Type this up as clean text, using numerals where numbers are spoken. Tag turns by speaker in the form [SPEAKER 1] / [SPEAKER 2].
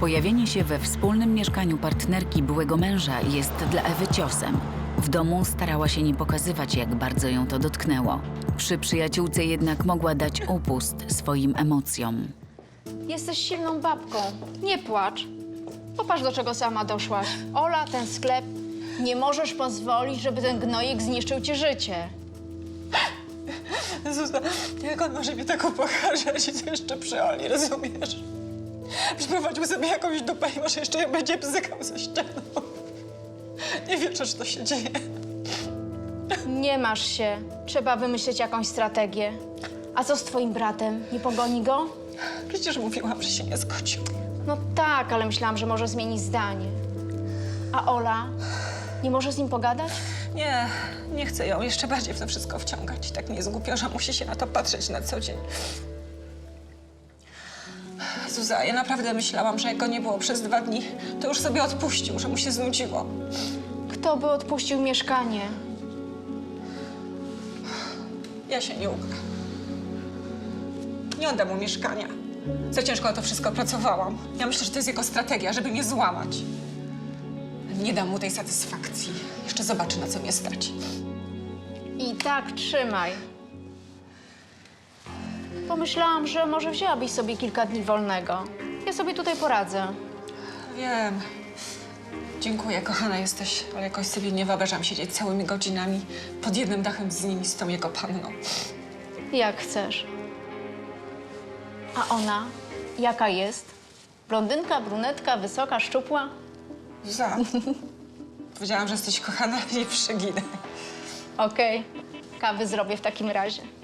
[SPEAKER 1] Pojawienie się we wspólnym mieszkaniu partnerki byłego męża jest dla Ewy ciosem. W domu starała się nie pokazywać, jak bardzo ją to dotknęło. Przy przyjaciółce jednak mogła dać upust swoim emocjom.
[SPEAKER 2] Jesteś silną babką. Nie płacz. Popatrz, do czego sama doszłaś. Ola, ten sklep. Nie możesz pozwolić, żeby ten gnojek zniszczył ci życie.
[SPEAKER 3] Zuza, jak on może mi tak upokarzać i to jeszcze przy Oli, rozumiesz? Przyprowadził sobie jakąś dupę i może jeszcze ją będzie bzykał ze ścianą. Nie wierzę, że to się dzieje.
[SPEAKER 2] Nie masz się. Trzeba wymyślić jakąś strategię. A co z twoim bratem? Nie pogoni go?
[SPEAKER 3] Przecież mówiłam, że się nie zgodził.
[SPEAKER 2] No tak, ale myślałam, że może zmienić zdanie. A Ola? Nie możesz z nim pogadać?
[SPEAKER 3] Nie, nie chcę ją jeszcze bardziej w to wszystko wciągać. Tak mnie zgłupio, że musi się na to patrzeć na co dzień. Zuza, ja naprawdę myślałam, że jak go nie było przez 2 dni, to już sobie odpuścił, że mu się znudziło.
[SPEAKER 2] Kto by odpuścił mieszkanie?
[SPEAKER 3] Ja się nie ukryję. Nie oddam mu mieszkania. Za ciężko na to wszystko pracowałam. Ja myślę, że to jest jego strategia, żeby mnie złamać. Nie dam mu tej satysfakcji. Jeszcze zobaczy, na co mnie stać.
[SPEAKER 2] I tak trzymaj. Pomyślałam, że może wzięłabyś sobie kilka dni wolnego. Ja sobie tutaj poradzę.
[SPEAKER 3] Wiem. Dziękuję, kochana jesteś, ale jakoś sobie nie wyobrażam siedzieć całymi godzinami pod jednym dachem z nim i z tą jego panną.
[SPEAKER 2] Jak chcesz. A ona? Jaka jest? Blondynka, brunetka, wysoka, szczupła?
[SPEAKER 3] Zuza, powiedziałam, że jesteś kochana i nie przeginę.
[SPEAKER 2] Okej. Kawy zrobię w takim razie.